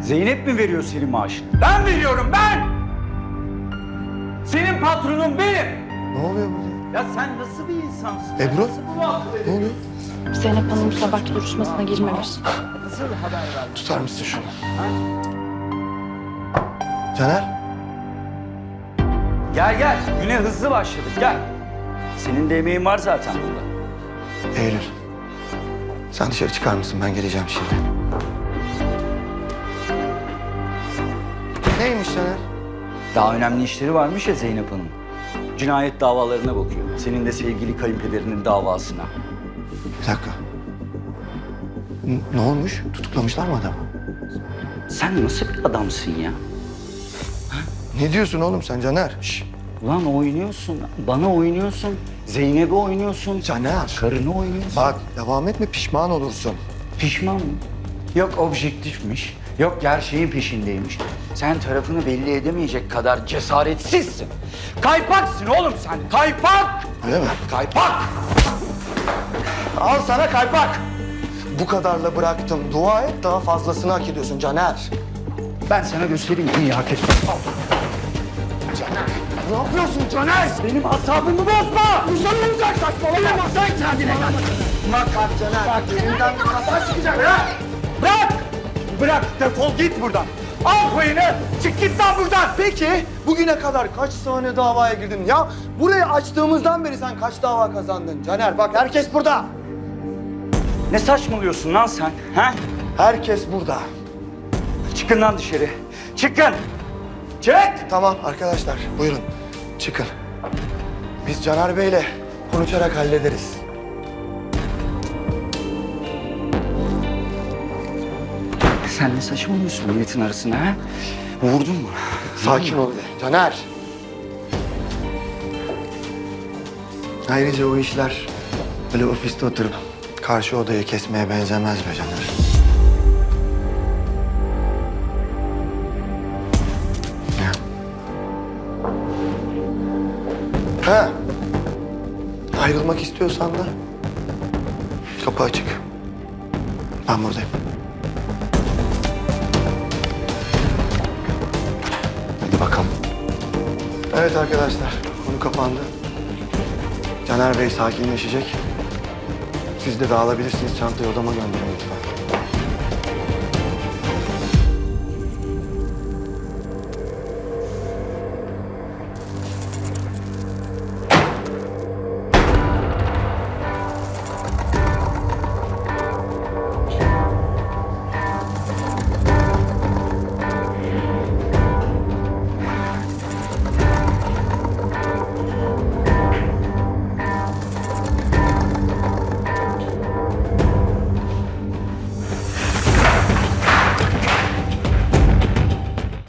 Zeynep mi veriyor senin maaşını? Ben veriyorum, ben! Senin patronun benim! Ne oluyor burada? Ya sen nasıl bir insansın? Ebru? Nasıl bu muhabbet Ne oluyor? Zeynep Hanım sabahki duruşmasına girmemiş. Nasıl haber verdin? Tutar mısın şunu? Caner? Gel gel, güne hızlı başladık, gel. Senin de emeğin var zaten bunda. Eylül. Sen dışarı çıkar mısın? Ben geleceğim şimdi. Neymiş Caner? Daha önemli işleri varmış ya Zeynep Hanım. Cinayet davalarına bakıyor. Senin de sevgili kayınpederinin davasına. Bir dakika. Ne olmuş? Tutuklamışlar mı adamı? Sen nasıl bir adamsın ya? Ne diyorsun oğlum sen Caner? Şş. Ulan oynuyorsun, bana oynuyorsun, Zeynep'e oynuyorsun, Caner. karını oynuyorsun. Bak devam etme pişman olursun. Pişman mı? Yok objektifmiş, yok gerçeğin peşindeymiş. Sen tarafını belli edemeyecek kadar cesaretsizsin. Kaypaksın oğlum sen, kaypak! Öyle mi? Kaypak! Al sana kaypak! Bu kadarla bıraktım. Dua et daha fazlasını hak ediyorsun Caner. Ben sana göstereyim neyi hak ettim. Ne yapıyorsun Caner? Benim asabımı bozma! Uzan olacak saçmalama. Sen kendine gel. Bak Caner. Elinden bir kaza çıkacak ha. Bırak! Bırak, defol git buradan. Al payını, çık git lan buradan. Peki bugüne kadar kaç tane davaya girdin ya? Burayı açtığımızdan beri sen kaç dava kazandın Caner? Bak herkes burada. Ne saçmalıyorsun lan sen, ha? Herkes burada. Çıkın lan dışarı. Çıkın! Çık! Tamam arkadaşlar buyurun çıkın. Biz Caner Bey'le konuşarak hallederiz. Sen ne saçmalıyorsun milletin arasına, ha? Vurdun mu? Sakin ol be Caner. Ayrıca o işler böyle ofiste oturup karşı odayı kesmeye benzemez be Caner. Ya. Ha. Ayrılmak istiyorsan da kapı açık. Ben buradayım. Hadi bakalım. Evet arkadaşlar, konu kapandı. Caner Bey sakinleşecek. Siz de dağılabilirsiniz. Çantayı odama gönderin lütfen.